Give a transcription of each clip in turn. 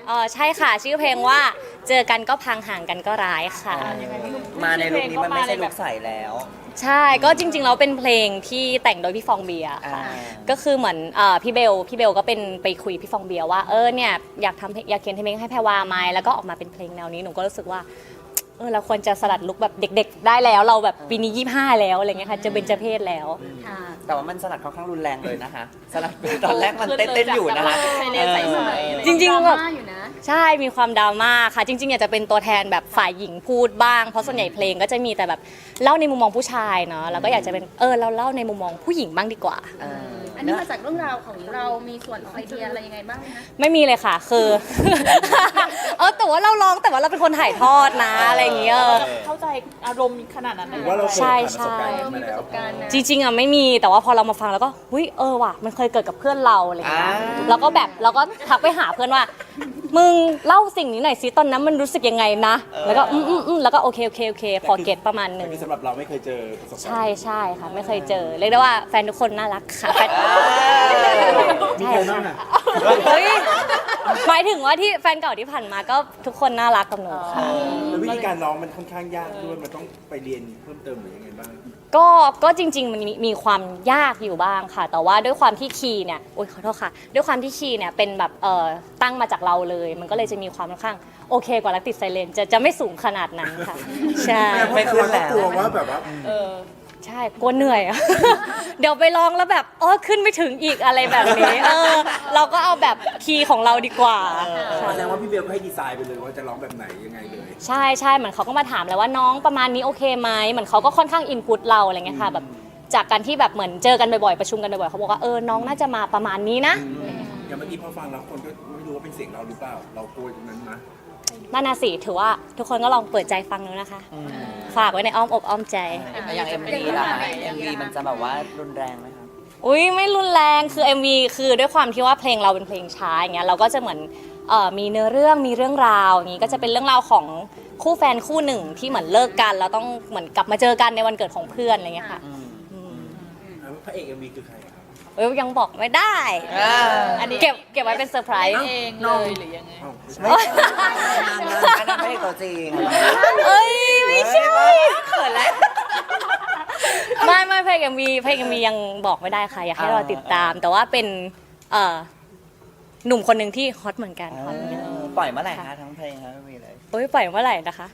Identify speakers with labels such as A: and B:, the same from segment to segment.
A: ใช่ค่ะชื่อเพลงว่าเจอกันก็พังห่างกันก็ร้ายค่ะ
B: มาในลุคนี้มันไม่ใช่ลุคใสแล้ว
A: ใช่ก็จริงๆแล้วเป็นเพลงที่แต่งโดยพี่ฟองเบียร์ค่ะก็คือเหมือนพี่เบลก็เป็นไปคุยพี่ฟองเบียร์ว่าเนี่ยอยากเขียนเพลงให้แพรวาไหมแล้วก็ออกมาเป็นเพลงแนวนี้หนูก็รู้สึกว่าเราควรจะสลัดลุคแบบเด็กๆได้แล้วเราแบบปีนี้25แล้วอะไรเงี้ยค่ะจะเบญจเพศแล้ว
B: แต่ว่ามันสลัดค่อนข้างรุนแรงเลยนะคะสลัดตอนแรกมันเต้นอยู่นะคะ
A: จริงๆแบบใช่มีความดราม่าค่ะจริงๆอยากจะเป็นตัวแทนแบบฝ่ายหญิงพูดบ้างเพราะส่วนใหญ่เพลงก็จะมีแต่แบบเล่าในมุมมองผู้ชายเนาะแล้วก็อยากจะเป็นเราเล่าในมุมมองผู้หญิงบ้างดีกว่า
C: อันนี้มาจากเรื่องราวของเรามีส่วนของไอเดียอะไรยังไงบ้างไหมคะ
A: ไม่มีเลยค่ะคือ แต่ว่าเราร้องแต่ว่าเราเป็นคนถ่ายทอดนะอะไรอย่างเงี้ย
D: เข้าใจอารมณ์ขนาดนั้นเลย
A: ใช่ใช่จริงๆไม่มีแต่ว่าพอเรามาฟังแล้วก็ว่ะมันเคยเกิดกับเพื่อนเราอะไรอย่างเงี้ยแล้วก็ทักไปหาเพื่อนว่ามึงเล่าสิ่งนี้หน่อยสิตอนนั้นมันรู้สึกยังไงนะแล้วก็แล้วก็โอเคพอเก็ตประมาณนึง
E: สำหรับเราไม่เคยเจอประสบการณ์
A: ใช่ค่ะไม่เคยเจอเรียกได้ว่าแฟนทุกคนน่ารักค่ะ
E: มีใครบ้างอ่ะ
A: หมายถึงว่าที่แฟนเก่าที่ผ่านมาก็ทุกคนน่ารักกับหนูค่ะ
E: แล้ววิธีการร้องมันค่อนข้างยากด้วยมันต้องไปเรียนเพิ่มเติมหรือยังไงบ้าง
A: ก็จริงๆมันมีความยากอยู่บ้างค่ะแต่ว่าด้วยความที่คีย์เนี่ยขอโทษค่ะด้วยความที่คีย์เนี่ยเป็นแบบตั้งมาจากเราเลยมันก็เลยจะมีความค่อนข้างโอเคกว่ารักติดไซเลนจะไม่สูงขนาดนั้นค่ะใช่
E: ไม่ขึ้นแล้วกลัวว่าแบบว่า
A: ใช่กลัวเหนื่อยเดี๋ยวไปลองแล้วแบบขึ้นไม่ถึงอีกอะไรแบบนี้เราก็เอาแบบคีย์ของเราดีกว่า
E: แสดงว่าพี่เบลก็ให้ดีไซน์ไปเลยว่าจะร้องแบบไหนยังไงเลย
A: ใช่เหมือนเขาก็มาถามแล้วว่าน้องประมาณนี้โอเคไหมเหมือนเขาก็ค่อนข้างอินพุตเราอะไรเงี้ยค่ะแบบจากการที่แบบเหมือนเจอกันบ่อยๆประชุมกันบ่อยๆเขาบอกว่าน้องน่าจะมาประมาณนี้นะ
E: อย่างเมื่อกี้พอฟังแล้วคนก็ไม่รู้ว่าเป็นเสียงเราหรือเปล่าเรากลัวตรงนั้นนะ
A: นั่นน่ะสิถือว่าทุกคนก็ลองเปิดใจฟังดูนะคะฝากไว้ในอ้อมอกอ้อมใจ
B: อย่าง MV ล่ะ MV มันจะแบบว่ารุนแรงไหมคะ
A: ไม่รุนแรงคือ MV คือด้วยความที่ว่าเพลงเราเป็นเพลงช้าอย่างเงี้ยเราก็จะเหมือนมีเนื้อเรื่องมีเรื่องราวอย่างงี้ก็จะเป็นเรื่องราวของคู่แฟนคู่หนึ่งที่เหมือนเลิกกันแล้วต้องเหมือนกลับมาเจอกันในวันเกิดของเพื่อนอะไรเงี้ยค่ะ
E: พระเอก MV คือใครครับ
A: ยังบอกไม่ได้อันนี้เก็บไว้เป็นเซอร์ไพรส์
D: เองเลยหรือยังไง
B: อันนั้นพระเอกตัวจริง
A: ไม่ใช่เขินแล้วไม่เพลงMVยังบอกไม่ได้ค่ะอยากให้เราติดตามแต่ว่าเป็นหนุ่มคนหนึ่งที่ฮอตเหมือนกัน
B: ปล่อยเมื่อไหร่คะทั้งเพลงทั้งMVเลย
A: ปล่อยเมื่อไหร่นะคะ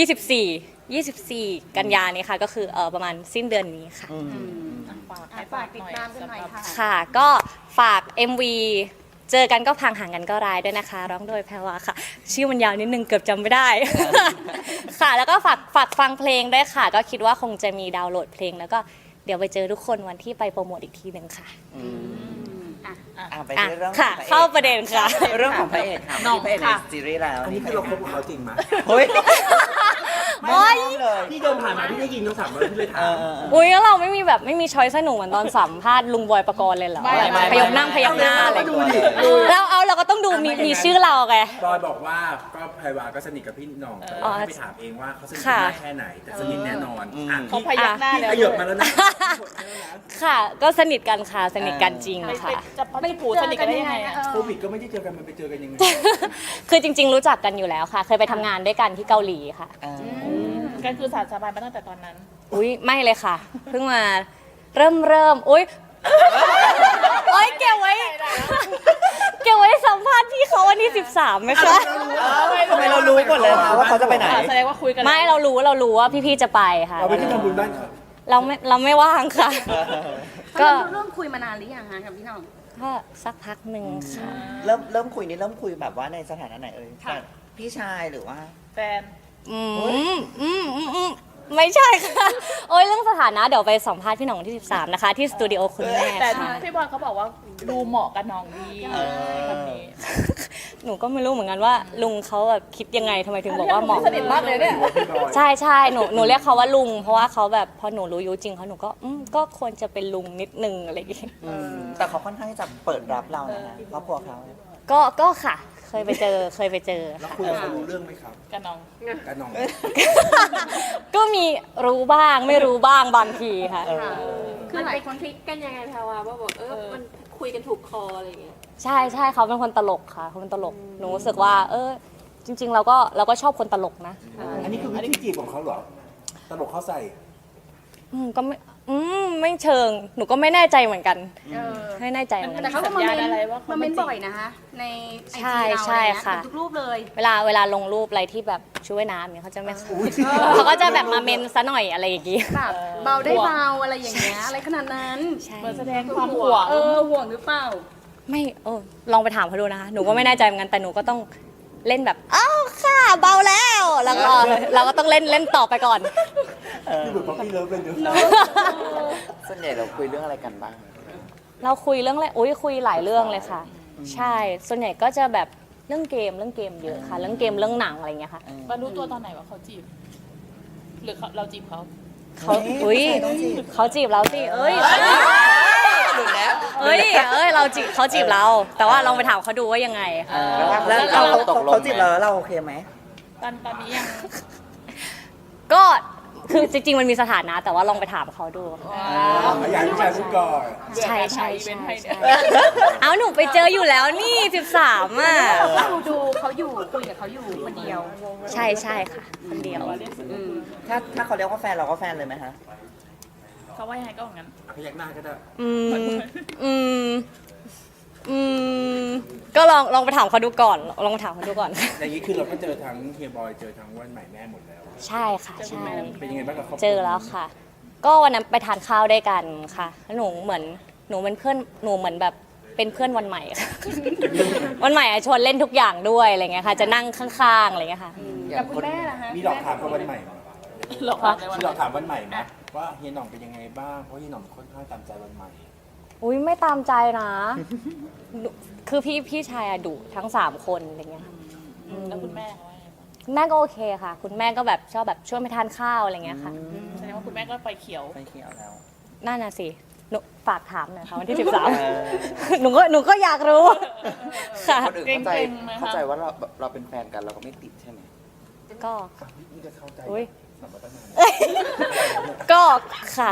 A: 24กันยานี้ค่ะก็คือประมาณสิ้นเดือนนี้ค่ะ
C: ฝากติดตามกันหน่อย
A: ค่ะก็ฝาก MV เจอกันก็พังห่างกันก็ร้ายด้วยนะคะร้องโดยแพรวาค่ะชื่อมันยาวนิดนึงเกือบจำไม่ได้ค่ะแล้วก็ฝากฟังเพลงด้วยค่ะก็คิดว่าคงจะมีดาวน์โหลดเพลงแล้วก็เดี๋ยวไปเจอทุกคนวันที่ไปโปรโมทอีกทีนึงค่ะ
B: ไปเรื่อง
A: ค่ะเข้าประเด็นค่ะ
B: เรื่องของพระเอกค่ะพระเอกในซีรีส์แล้ว
E: อันนี้คือเราคบกับเขาจริงไหมพี่เดินผ่านมาพี่ได้ยินคำถามเลยพี่เลยถาม
A: แล้วเราไม่มีช้อยสนุกเหมือนตอนสัมภาษณ์ลุงบอยปกรณ์เลยเหรอพยักหน้าอะไรเราก็ต้องดูมีชื่อเราไง
E: บอยบอกว่าก็ไพวาก็สนิทกับพี่หน่องแต่ว่าให้ไปถามเองว่าเขาสนิทมากแค่ไหนแต่สนิทแน่นอน
D: เขาพยักหน้าแล้ว
E: ขยับมาแล้วนะ
A: ค่ะก็สนิทกันค่ะสนิทกันจริงค่ะ
D: จะไม่ผูสนิทกันได้ยังไง
E: โควิดก็ไม่ได้เจอกันมันไปเจอกันยังไง
A: คือจริงๆรู้จักกันอยู่แล้วค่ะเคยไปทำงานด้วยกันที่เกาหลีค่ะ
D: กันคือสารสบายมาตั้งแต่ตอนนั้น
A: ไม่เลยค่ะเพิ่งมาเริ่มเก็บไว้สัมภาษณ์พี่เขาวันที่13ไหมคะ
B: ทำไมเรารู้ก่อนเลยว่าเขาจะไปไหน
D: แสดงว่าคุยกัน
A: ไม่เรารู้ว่าพี่ๆจะไปค่ะ
E: เราไปที่ทำบุญบ้านเขา
A: เราไม่ว่างค่ะ
C: ก็เริ่มคุยมานานหรือยังคะกับพี่น้อง
A: ก็สักพักหนึ่งค่ะ
B: เริ่มคุยแบบว่าในสถานะไหนพี่ชายหรือว่า
D: แฟน
A: ไม่ใช่ค่ะเรื่องสถานะเดี๋ยวไปสัมภาษณ์พี่หน่องที่13นะคะที่สตูดิโอคุณแม่
D: แต่พี่บอลเขาบอกว่าดูเหมาะกับน้องดีแบบนี้
A: หนูก็ไม่รู้เหมือนกันว่าลุงเขาแบบคิดยังไงทำไมถึงบอกว่าเหมาะ
D: สนิทมากเลยเนี่ย
A: ใช่หนูเรียกเขาว่าลุงเพราะว่าเขาแบบพอหนูรู้อายุจริงเขาหนูก็ควรจะเป็นลุงนิดนึงอะไรอย่างเงี้ย
B: แต่เขาค่อนข้างจะเปิดรับเรานะครอบครัวเขา
A: ก็ค่ะเคยไปเจอ
E: แล้วคุยกับเขารู้เรื่องไหมครับ
D: กันน้อง
A: ก็มีรู้บ้างไม่รู้บ้างบางทีค่ะ
C: คือหลายคน
F: คลิกกันยังไงแพรวาว่าบอกมันคุยกันถูกคออะไรอย่างเงี้ย
A: ใช่ใช่เขาเป็นคนตลกค่ะเขาเป็นตลกหนูรู้สึกว่าจริงๆเราก็ชอบคนตลกนะ
E: อันนี้คือวิธีจีบของเขาเหรอตลกเข้าใส่
A: ก็ไม่เชิงหนูก็ไม่แน่ใจเหมือนกัน
C: เออ
A: ไม่แน่ใจเหมือนกัน
C: แต่เขาก็มา
D: สัญ
C: เม
D: ญาณ
C: น
D: อะไรว่าเขา
C: มาเมน
D: มาจีบ
C: บ่อยนะคะในไอ
A: ใช่
C: จีเรา
A: ใช่
C: อะไรเงี้ย
A: ค่ะ
C: ทุกรูปเลย
A: เวลาลงรูปอะไรที่แบบช่วยน้ำเนี่ยเขาจะไม่เขาก็จะแบบมาเมนซะหน่อยอะไรอย่างงี้
C: แบบเบาได้เบาอะไรอย่างเงี้ยอะไรขนาดนั้น
A: ใช่
D: เหมือนแสดงความห่วง
C: ห่วงหรือเปล่า
A: ไม่ลองไปถามเขาดูนะคะหนูก็ไม่แน่ใจเหมือนกันแต่หนูก็ต้องเล่นแบบอ้าวค่ะเบาแล้วแล้วก็เราก็ต้องเล่นต่อไปก่อน
E: คือเหมือนป๊อปปี้เลิฟเลยเนอะ
B: ส่วนใหญ่เราคุยเรื่องอะไรกันบ้าง
A: เราคุยเรื่องอะไรคุยหลายเรื่องเลยค่ะ ใช่ส่วนใหญ่ก็จะแบบเรื่องเกมเยอะค่ะ เรื่องเกมเรื่องหนังอะไรอย่างเงี้ยค่ะ
D: มารู้ตัวตอนไหนว่าเขาจีบ หรือเราจีบเขา
A: เขาเขาจีบเราสิ
B: หลุดแล้ว
A: เขาจีบเรา แต่ว่าลองไปถามเขาดูว่ายังไงค่ะ
B: แล้วเขาจีบเราแล้วเราโอเคไหม
D: ตอนนี้ยัง
A: ก็คือจริงๆมันมีสถานะแต่ว่าลองไปถามเขาดู
E: อยากให้ผู้ชายพูดก่อน
A: ใช่ใช่
D: เบื่อการถ่ายอีเวนต์ให้เนี่ย
A: เอาหนูไปเจออยู่แล้วนี่13อ่ะ
C: ดูเขาอยู่คุยกับเขาอยู่คนเดียว
A: ใช่ค่ะคนเดียว
B: ถ้าเขาเรียกว่าแฟนเราก็แฟนเลยไหมฮะ
D: เขาว่ายังไงก็อย่างนั้น
E: พยักหน้าก็ได้
A: ก็ลองไปถามเขาดูก่อนลองไปถามเขาดูก่อน
E: อย่างนี้คือเราก็เจอทั้งเฮียบอยเจอทั้งวันใหม่แม่หมดแล้ว
A: ใช่ค่ะใช่
E: เป็นยังไงบ้างกับครอบครัว
A: เจอแล้วค่ะ ก็วันนั้นไปทานข้าวด้วยกันค่ะแล้วหนูเป็นเพื่อนหนูเหมือนแบบเป็นเพื่อนวันใหม่ค่ะ วันใหม่ชวนเล่นทุกอย่างด้วยอะไรเงี้ยค่ะ จะนั่งข้างๆอะไรเงี้ยค่ะ
C: กับคุณแม่ล่ะฮะ
E: มีหลอกถามกับวันใหม่ไหม
D: หลอกเราในวัน
E: มีหล
D: นั้
E: อน กถามวันใหม่ไหมว่าเฮียหน่องเป็นยังไงบ้างเพราะเฮียหน่องค่อนข้างตามใจวันใหม่
A: อุ้ยไม่ตามใจนะดุคือพี่ชายอะดุทั้ง3คนอะไรเงี้ยค่ะ
D: แล้วคุณแม่เขาว่ายังไงบ้าง
A: คุณแม่ก็โอเคค่ะ คุณแม่ก็แบบชอบแบบชวนไปทานข้าวอะไรเงี้ยค่ะ
D: แสดงว่าคุณแม่ก็ไฟเขียว
B: ไฟเขียวแล้ว
A: นั่นน่ะสิหนูฝากถามหน่อยค่ะวันที่13 หนูก็อยากรู้ค่ะ
B: คนอื่นเข้าใจ
D: เกรงๆไหมคะ
B: เข้าใจว่าเราเป็นแฟนกันเราก็ไม่ติดใช่ไหม
A: ก็
E: นี่จะเข้าใจ
A: อุ้ย
E: สัมปทาน
A: ก็ค่ะ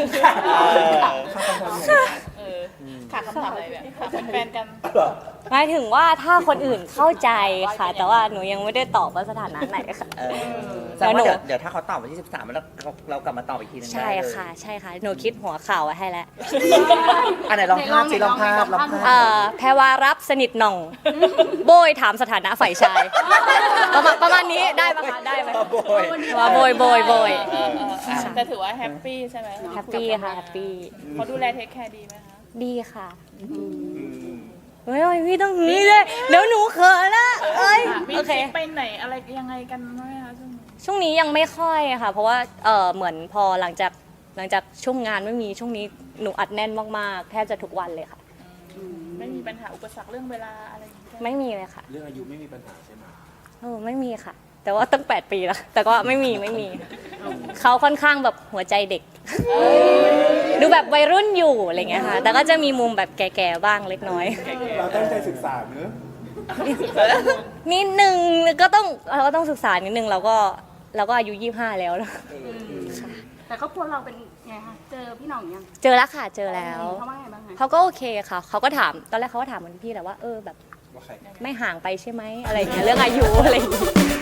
D: ขาดคำถามอะไรเนี่ยขาดเป็นแฟนกัน
A: หมายถึงว่าถ้าคนอื่นเข้าใจค่ะ แต่ว่าหนูยังไม่ได้ตอบว่าสถานะไหนค่ะ
B: แสดงว่า
A: แล้วหนู
B: เดี๋ยวถ้าเขาตอบวันที่ 13แล้วเรากลับมาตอบอีกทีนึง
A: ใช่
B: ได้เลย
A: ค่ะใช่ค่ะ หนูคิดหัวข่าวไว้ให้แล้ว
B: อันไหนลองภาพสิลองภาพ
A: แพรวารับสนิทหน่อง โบยถามสถานะฝ่ายชาย ประมาณนี้ได้ปะคะได้ไหม
B: โบย
A: ว่าโบย
D: แต่ถือว่าแฮปปี้ใช่ไหม
A: แฮปปี้ค่ะแฮปปี้
D: เขาดูแลเทคแคร์ดีไหมคะ
A: ดีค่ะเฮ้ยพี่ต้องนี้เลยเดี๋ยวหนูเขินละเอ้ย
D: มี
A: โอ
D: ท
A: เค
D: ริปไปไหนอะไรยังไงกันไหมคะช่วงนี้
A: ช่วงนี้ยังไม่ค่อยค่ะ เพราะว่าเหมือนพอหลังจากช่วงงานไม่มีช่วงนี้หนูอัดแน่นมากๆแทบจะทุกวันเลยค่ะ
D: ไม่มีปัญหาอุปสรรคเรื่องเวลาอะไรอย่างเงี้ย
A: ไม่มีเลยค่ะ
E: เรื่องอายุไม่มีปัญหาใช่ไหม
A: ไม่มีค่ะ แต่ว่าตั้ง8 ปีแล้วแต่ก็ไม่มีเขาค่อนข้างแบบหัวใจเด็ก ดูแบบวัยรุ่นอยู่อะไรเงี้ยค่ะ แต่ก็จะมีมุมแบบแก่ๆบ้างเล็กน้อย
E: เราตั้งใจศึกษาเนอะ
A: นิดนึงเราก็ต้องศึกษานิดนึงเราก็อายุ25แล้วนะ
C: แต่ครอบครัวเราเป็นไงคะเจอพี่หน่องยัง
A: เจอแล้วค่ะเจอแล้ว
C: เขาว่าไงบ้างคะ
A: เขาก็โอเคค่ะเขาก็ถามตอนแรกเขาก็ถามเหมือนพี่แหละว่าแบบ
E: ว่าใคร
A: ไม่ห่างไปใช่ไหมอะไรอย่างเงี้ยเรื่องอายุอะไรอย่างเงี้ย